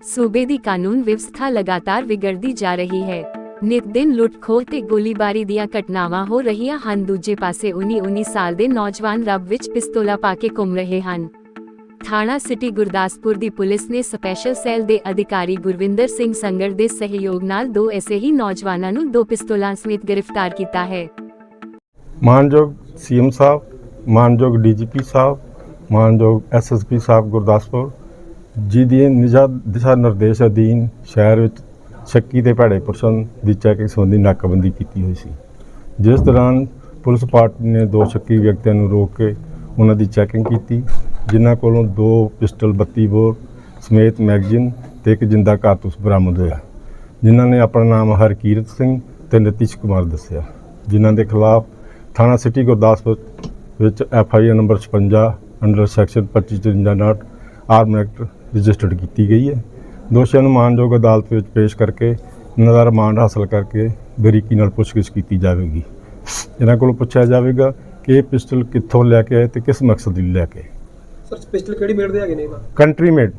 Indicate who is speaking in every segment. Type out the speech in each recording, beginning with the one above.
Speaker 1: सूबे दी कानून व्यवस्था लगातार विगड़दी जा रही है। नित दिन लुट खोह ते गोलीबारी ਦੀਆਂ ਘਟਨਾਵਾਂ ਹੋ ਰਹੀਆਂ ਹਨ। ਦੂਜੇ ਪਾਸੇ 19 ਸਾਲ ਦੇ ਨੌਜਵਾਨ ਰੱਬ ਵਿੱਚ ਪਿਸਤੌਲਾਂ ਪਾ ਕੇ ਘੁੰਮ ਰਹੇ ਹਨ। ਥਾਣਾ ਸਿਟੀ ਗੁਰਦਾਸਪੁਰ ਦੀ ਪੁਲਿਸ ਨੇ ਸਪੈਸ਼ਲ ਸੈੱਲ ਦੇ ਅਧਿਕਾਰੀ ਗੁਰਵਿੰਦਰ ਸਿੰਘ ਸੰਗੜ ਦੇ ਸਹਿਯੋਗ ਨਾਲ ਦੋ ਐਸੇ ਹੀ ਨੌਜਵਾਨਾਂ ਨੂੰ ਦੋ ਪਿਸਤੌਲਾਂ ਸਮੇਤ ਗ੍ਰਿਫਤਾਰ ਕੀਤਾ ਹੈ।
Speaker 2: ਮਾਨਯੋਗ ਸੀਐਮ ਸਾਹਿਬ, ਮਾਨਯੋਗ ਡੀਜੀਪੀ ਸਾਹਿਬ, ਮਾਨਯੋਗ ਐਸਐਸਪੀ ਸਾਹਿਬ ਗੁਰਦਾਸਪੁਰ ਜੀ ਦੀ ਦਿਸ਼ਾ ਨਿਰਦੇਸ਼ ਅਧੀਨ ਸ਼ਹਿਰ ਵਿੱਚ ਸ਼ੱਕੀ ਤੇ ਭੈੜੇ ਪੁਰਸ਼ਾਂ ਦੀ ਚੈਕਿੰਗ ਸੰਬੰਧੀ ਨਾਕਾਬੰਦੀ ਕੀਤੀ ਹੋਈ ਸੀ, ਜਿਸ ਦੌਰਾਨ ਪੁਲਿਸ ਪਾਰਟੀ ਨੇ ਦੋ ਸ਼ੱਕੀ ਵਿਅਕਤੀਆਂ ਨੂੰ ਰੋਕ ਕੇ ਉਹਨਾਂ ਦੀ ਚੈਕਿੰਗ ਕੀਤੀ, ਜਿਨ੍ਹਾਂ ਕੋਲੋਂ ਦੋ ਪਿਸਟਲ 32 ਬੋਰ ਸਮੇਤ ਮੈਗਜ਼ੀਨ ਤੇ ਇੱਕ ਜਿੰਦਾ ਕਾਰਤੂਸ ਬਰਾਮਦ ਹੋਇਆ, ਜਿਨ੍ਹਾਂ ਨੇ ਆਪਣਾ ਨਾਮ ਹਰਕੀਰਤ ਸਿੰਘ ਤੇ ਨਤੀਸ਼ ਕੁਮਾਰ ਦੱਸਿਆ, ਜਿਨ੍ਹਾਂ ਦੇ ਖਿਲਾਫ ਥਾਣਾ ਸਿਟੀ ਗੁਰਦਾਸਪੁਰ ਵਿੱਚ FIR number 56 under section 2553 arm act registered ਕੀਤੀ ਗਈ ਹੈ। ਦੋਸ਼ੀਆਂ ਨੂੰ ਮਾਨਯੋਗ ਅਦਾਲਤ ਵਿੱਚ ਪੇਸ਼ ਕਰਕੇ ਇਹਨਾਂ ਦਾ ਰਿਮਾਂਡ ਹਾਸਲ ਕਰਕੇ ਬਰੀਕੀ ਨਾਲ ਪੁੱਛਗਿੱਛ ਕੀਤੀ ਜਾਵੇਗੀ। ਇਹਨਾਂ ਕੋਲੋਂ ਪੁੱਛਿਆ ਜਾਵੇਗਾ ਕਿ ਇਹ ਪਿਸਟਲ ਕਿੱਥੋਂ ਲੈ ਕੇ ਆਏ ਤੇ ਕਿਸ ਮਕਸਦ ਲਈ ਲੈ ਕੇ।
Speaker 3: ਸਰ ਪਿਸਟਲ ਕਿਹੜੀ ਮੇਡ ਦੇ ਹੈਗੇ ਨੇ?
Speaker 2: Country made.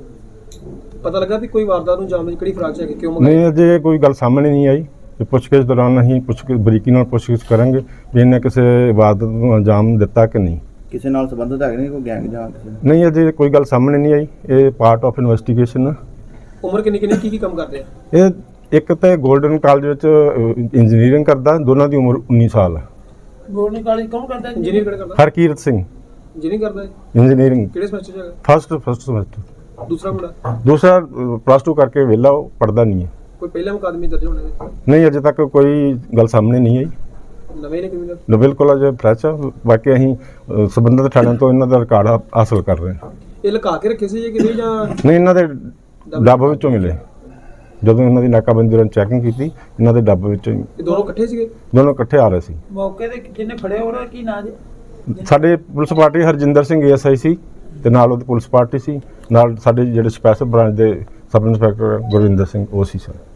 Speaker 3: ਪਤਾ ਲੱਗਾ ਵੀ ਕੋਈ ਵਾਰਦਾਤ ਨੂੰ ਅੰਜਾਮ ਦੇਣ ਕਿਹੜੀ ਫਰਾਕ ਚ ਹੈਗੇ, ਕਿਉਂ ਮੰਗਾਈ?
Speaker 2: ਨਹੀਂ, ਅਜੇ ਕੋਈ ਗੱਲ ਸਾਹਮਣੇ ਨਹੀਂ ਆਈ। ਪੁੱਛਗਿੱਛ ਦੌਰਾਨ ਅਸੀਂ ਬਰੀਕੀ ਨਾਲ ਪੁੱਛਗਿੱਛ ਕਰਾਂਗੇ ਵੀ ਇਹਨੇ ਕਿਸੇ ਵਾਰਦਾਤ ਨੂੰ ਅੰਜਾਮ ਦਿੱਤਾ ਕਿ ਨਹੀਂ,
Speaker 4: ਕਿਸੇ ਨਾਲ ਸੰਬੰਧਿਤ ਹੈਗੇ ਨੇ, ਕੋਈ ਗੈਂਗ ਜਾਂ ਕਿਸੇ ਨਾਲ?
Speaker 2: ਨਹੀਂ, ਅਜੇ ਕੋਈ ਗੱਲ ਸਾਹਮਣੇ ਨਹੀਂ ਆਈ। ਇਹ ਪਾਰਟ ਆਫ ਇਨਵੈਸਟੀਗੇਸ਼ਨ ਆ।
Speaker 3: ਉਮਰ ਕਿੰਨੀ ਕੀ ਕੰਮ ਕਰਦੇ ਆ?
Speaker 2: ਇਹ ਇੱਕ ਤਾਂ ਗੋਲਡਨ ਕਾਲਜ ਵਿੱਚ ਇੰਜੀਨੀਅਰਿੰਗ ਕਰਦਾ, ਦੋਨਾਂ ਦੀ ਉਮਰ 19 ਸਾਲ ਹੈ।
Speaker 3: ਗੋਲਡਨ ਕਾਲਜ ਕੌਣ ਕਰਦਾ? ਇੰਜੀਨੀਅਰ ਕਿਹੜਾ ਕਰਦਾ?
Speaker 2: ਹਰਕੀਰਤ ਸਿੰਘ
Speaker 3: ਇੰਜੀਨੀਅਰ ਕਰਦਾ ਹੈ।
Speaker 2: ਇੰਜੀਨੀਅਰਿੰਗ
Speaker 3: ਕਿਹੜੇ ਸਮੈਸਟਰ ਚ ਹੈਗਾ?
Speaker 2: First semester.
Speaker 3: ਦੂਸਰਾ ਮੁੰਡਾ?
Speaker 2: ਦੂਸਰਾ +2 ਕਰਕੇ ਵਿਹਲਾ, ਉਹ ਪੜ੍ਹਦਾ ਨਹੀਂ ਹੈ।
Speaker 3: ਕੋਈ ਪਹਿਲਾ ਮੁਕੱਦਮੇ ਦਰਜ ਹੋਣੇ ਨੇ?
Speaker 2: ਨਹੀਂ, ਅਜੇ ਤੱਕ ਕੋਈ ਗੱਲ ਸਾਹਮਣੇ ਨਹੀਂ ਆਈ।
Speaker 3: ਨਵੇਂ ਨੇ ਕ੍ਰਿਮੀਨਲ?
Speaker 2: ਬਿਲਕੁਲ ਅਜੇ ਫਰੈਸ਼ ਆ। ਬਾਕੀ ਅਸੀਂ ਸੰਬੰਧਿਤ ਥਾਣਿਆਂ ਤੋਂ ਇਹਨਾਂ ਦਾ ਰਿਕਾਰਡ ਹਾਸਲ ਕਰ ਰਹੇ ਹਾਂ।
Speaker 3: ਇਹ ਲੁਕਾ ਕੇ ਰੱਖੇ ਸੀ ਕਿ ਨਹੀਂ ਜਾਂ?
Speaker 2: ਨਹੀਂ, ਇਹਨਾਂ ਦੇ ਡੱਬ ਵਿੱਚੋਂ ਮਿਲੇ। ਜਦੋਂ ਇਹਨਾਂ ਦੀ ਨਾਕਾਬੰਦੀ ਦੌਰਾਨ ਚੈਕਿੰਗ ਕੀਤੀ, ਇਹਨਾਂ ਦੇ ਡੱਬ ਵਿੱਚੋਂ।
Speaker 3: ਇਹ ਦੋਨੋਂ ਇਕੱਠੇ ਸੀਗੇ?
Speaker 2: ਦੋਨੋਂ ਇਕੱਠੇ ਆ ਰਹੇ ਸੀ।
Speaker 3: ਮੌਕੇ ਤੇ ਜਿਹਨੇ ਫੜਿਆ ਉਹਦਾ ਕੀ ਨਾਂ ਜੀ?
Speaker 2: ਸਾਡੇ police party Harjinder Singh ASI ਸੀ ਤੇ ਨਾਲ ਉਹਦੀ ਪੁਲਿਸ ਪਾਰਟੀ ਸੀ, ਨਾਲ ਸਾਡੇ ਜਿਹੜੇ ਸਪੈਸ਼ਲ ਬ੍ਰਾਂਚ ਦੇ ਸਬ ਇੰਸਪੈਕਟਰ ਗੁਰਵਿੰਦਰ ਸਿੰਘ ਉਹ ਸੀ ਸਰ।